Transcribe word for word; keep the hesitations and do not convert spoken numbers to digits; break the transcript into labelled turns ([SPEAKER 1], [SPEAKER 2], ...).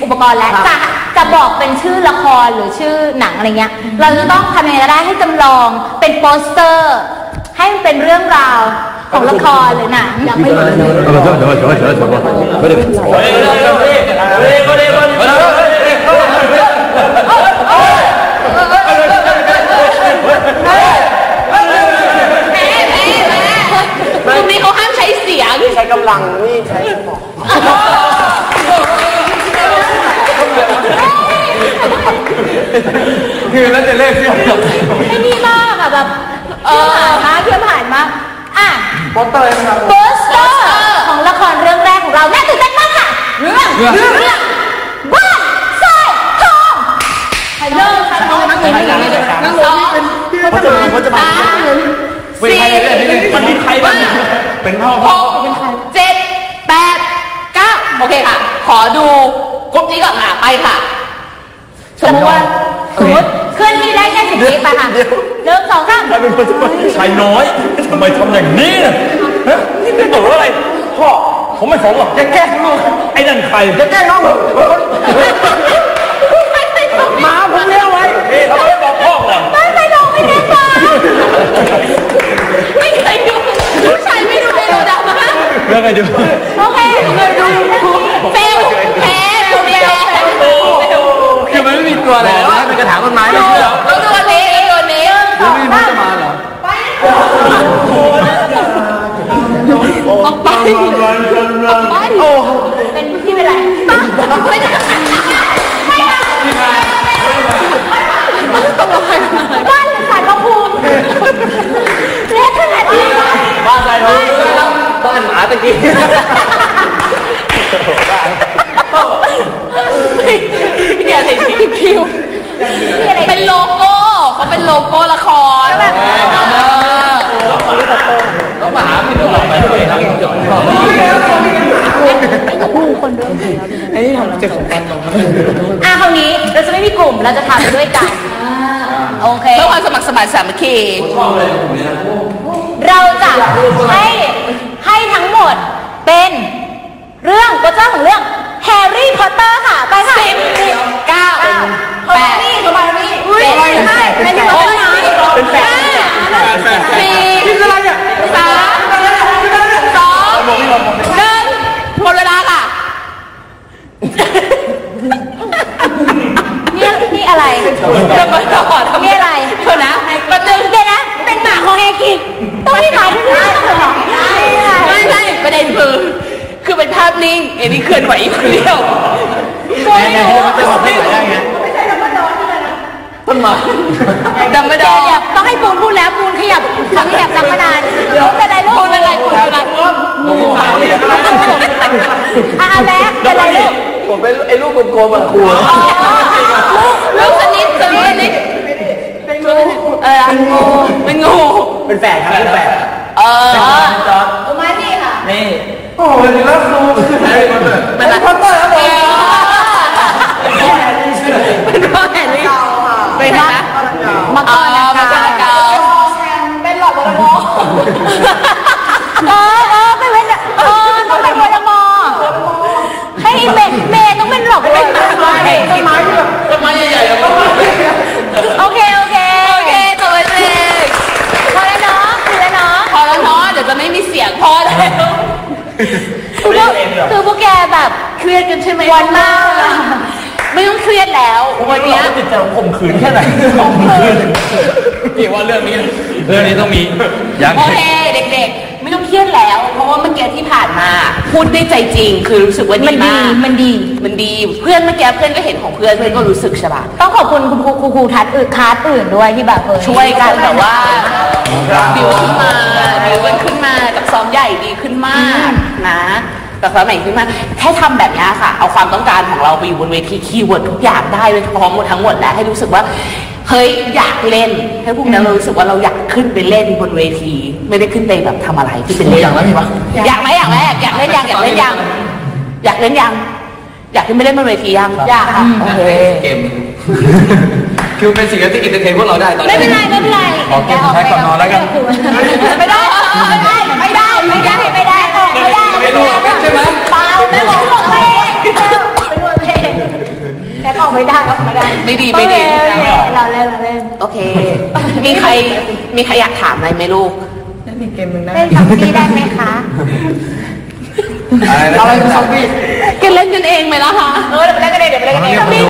[SPEAKER 1] ปกรณ์แล้วจะจะบอกเป็นชื่อละครหรือชื่อหนังอะไรเงี้ยเราจะต้องทำยังไงก็ได้ให้จำลองเป็นโปสเตอร์ให้มันเป็นเรื่องราวของละครหรือหนังยังไม่ตรงนี้เขาห้ามใช้เสียง
[SPEAKER 2] ใช้กำลังนี่ใช้สมองคือแล้วจะเล่นเสียง
[SPEAKER 1] ไอ้นี่มากอะแบบเออมาเพื่อนผ่านมาอ่ะ
[SPEAKER 2] โปสเตอร์ครับ
[SPEAKER 1] โปสเตอร์ของละครเรื่องแรกของเราแม่ตื่นเต้นมากค่ะเรื่องเรื่องเรื่องบ้านทรายทองเริ่มค่ะน้องนั่งลงนั่งลงนั่งลงเป็นเขาจะมาเขาจะมาสี่
[SPEAKER 2] มันมีใครบ้างเป็นพ่อ
[SPEAKER 1] พ่อเป็นใครเจ็ดแปดเก้าโอเคค่ะขอดูกรุ๊ปนี้ก่อนค่ะไปค่ะสมมติว่าสมมติเคลื่อนที่ได้แค่สิบวิไปค่ะเริ่มสองข้าง
[SPEAKER 2] ชายน้อยทำไมทำอย่างนี้นะฮะนี่เป็นตัวอะไรพ่อผมไม่สนหรอกแกแกล้งลูกไอ้นั่นใครแกแกล้งน้องเหรอมาผมเลี้ยงไว้เขาไม่บอกพ่อก่อน
[SPEAKER 1] ไม่ไม่ลงไม่ได้มาไม่เคยดูผู้ชายไม่ดูไม่ดูดำมาก
[SPEAKER 2] เรื่องอะไรดู
[SPEAKER 1] โอเคเฟลแพ้เฟลแพ้
[SPEAKER 2] คือมันไม่มีตัวอะไรแล้วเป็นกระถางต้นไม้ไม่ใช่เหรอ
[SPEAKER 1] ต้องตัวนี้ตัวนี้
[SPEAKER 2] แล้วไม่มันจะมาเหรอ
[SPEAKER 1] ออกไปออกไปโอ้เป็นที่เป็นไรไม่ได้ไม่ได้บ้านสารพระภูมิเล็กขนาดนี้
[SPEAKER 2] บ้านใครเขาบ้านหมาตะกี้
[SPEAKER 1] เนี่ยอะไรที่คิวเป็นโลโก้เขาเป็นโลโก้ละคร
[SPEAKER 2] ก็มาหาพี่ต้องหลอกไปด้วยครับจบ
[SPEAKER 1] ผู้คนด้วย
[SPEAKER 2] ไอ้นี่ทำเจ็บของกันลง
[SPEAKER 1] อ่ะคราวนี้เราจะไม่มีกลุ่มเราจะทำด้วยกันโอเคเพื่อความสมัครสมานสามัคคีเราจะให้ให้ทั้งหมดเป็นเรื่องก็เจ้าของเรื่องแฮร์รี่พอตเตอร์ค่ะไปค่ะสิบเก้าแปดนี่ทำไมนี่เจ็ดห้าเป็นหกเป็นแปดสี่สามสองหนึ่งหมดเวลาค่ะนี่นี่อะไรจะมาต่อทำนี่อะไรเดี๋ยวนะมาตึงเดี๋ยวนะเป็นหมาของแฮกิต้องให้ถ่ายด้วยนะไม่ใช่ประเด็นคือคือเป็นภาพนิ่งเอ็นี่เคลื่อนไหวอีกเดียว
[SPEAKER 2] ก็ไม่รู้มันจะบอกได้ไหมไงต้นไม้
[SPEAKER 1] ดำไม่ดำต้องให้ปูนพูดแล้วปูนขยับขยับดังมานานเดี๋ยวเป็นไรลูกปูนเป็นไรปูนเป็นไรอ่ะแบ๊กเป็นไรลูก
[SPEAKER 2] ผมเป็นไอ้ลูกกลมๆแบบครู
[SPEAKER 1] ลูกสนิทสนิทเป็นงูเอองูเป็นงู
[SPEAKER 2] เป็นแฝดครับเป็นแฝด
[SPEAKER 1] เออ
[SPEAKER 2] ตัวไม้นี่ค่ะนี่
[SPEAKER 3] โอ้ยนี่แล้วครู
[SPEAKER 2] เป็นอะไรพัตเตอร์ครับผม
[SPEAKER 1] เป็นพ่อแห่งนี้เป็นนะมาก่อนนะคะเป็นหลอดวอลมอเออเออเป็นเออต้องเป็นวอลมอให้เมย์เมย์ต้องเป็นหลอดวอลมอต้นไม้ต้นไม้
[SPEAKER 2] ต้นไม้ใหญ่ๆ
[SPEAKER 1] โอเคโอเคโอเคตัวเองพอแล้วเนาะพอแล้วเนาะพอแล้วเนาะเดี๋ยวจะไม่มีเสียงพอแล้วคือพวกคือพวกแกแบบเครียดกันใช่ไหมวันมากไม่ต้องเครียดแล้ววันนี้
[SPEAKER 2] จิตใจข่มขืนแค่ไหนข่มขืนพี่ว่าเรื่องนี้เรื่องนี้ต้องมี
[SPEAKER 1] อย่างโอเคเด็กๆไม่ต้องเครียดแล้วเพราะว่าเมื่อกี้ที่ผ่านมาพูดได้ใจจริงคือรู้สึกว่าดีมากมันดีมันดีเพื่อนเมื่อกี้เพื่อนก็เห็นของเพื่อนเพื่อนก็รู้สึกใช่ป่ะต้องขอบคุณคุณครูครูครูทัศน์อื่นคลาสอื่นด้วยที่แบบช่วยกันแบบว่าดิวขึ้นมาดิวกันขึ้นมากับซ้อมใหญ่ดีขึ้นมากนะแต่สมัยขึ้นมาแค่ทำแบบนี้ค่ะเอาความต้องการของเราไปอยู่บนเวทีคีย์เวิร์ดทุกอย่างได้เลยพร้อมหมดทั้งหมดแล้วให้รู้สึกว่าเฮ้ยอยากเล่นให้พวกนั้นเรารู้สึกว่าเราอยากขึ้นไปเล่นบนเวทีไม่ได้ขึ้นไปแบบทำอะไรที่เป็นเล่น
[SPEAKER 2] อย่างนั้นมีปะ
[SPEAKER 1] อยากไหมอยากไหมอยากเล่นยังอยากเล่นยังอยากเล่นยังอยากขึ้นไปเล่นบนเวทียังอยากค่ะโอเค
[SPEAKER 2] เกมคือเป็นสิ่งที่อินเตอร์เทนพวกเราได้ตอนนี้
[SPEAKER 1] ไม่เป็นไรไม่เป็นไร
[SPEAKER 2] ขอเก็บใช้ก่อนนอนแล้วกัน
[SPEAKER 1] ไม่ได้ไม่ได้ไม่ได้ไม่ได้ไม่ได้ไม่ได้
[SPEAKER 2] ไม่รู้ใช่ไหม
[SPEAKER 1] เปล่าไม่บอกบอกเลยไม่บอกเลยอกไม่ได้ออกไม่ได้ไม่ดีไม่ดีเราเล่นเราเล่นโอเคมีใครมีใครอยากถามอะไรไหมลูกเล่นเกมหนึ่งได้เล่นซอมบี้ได้ไหมคะ
[SPEAKER 3] อะไรนะซอมบี้
[SPEAKER 1] กันเล่นกันเองไหมล่ะคะเออเดี๋ยวไปเล่นกันเองเดี๋ยวไปเล่นกันเอง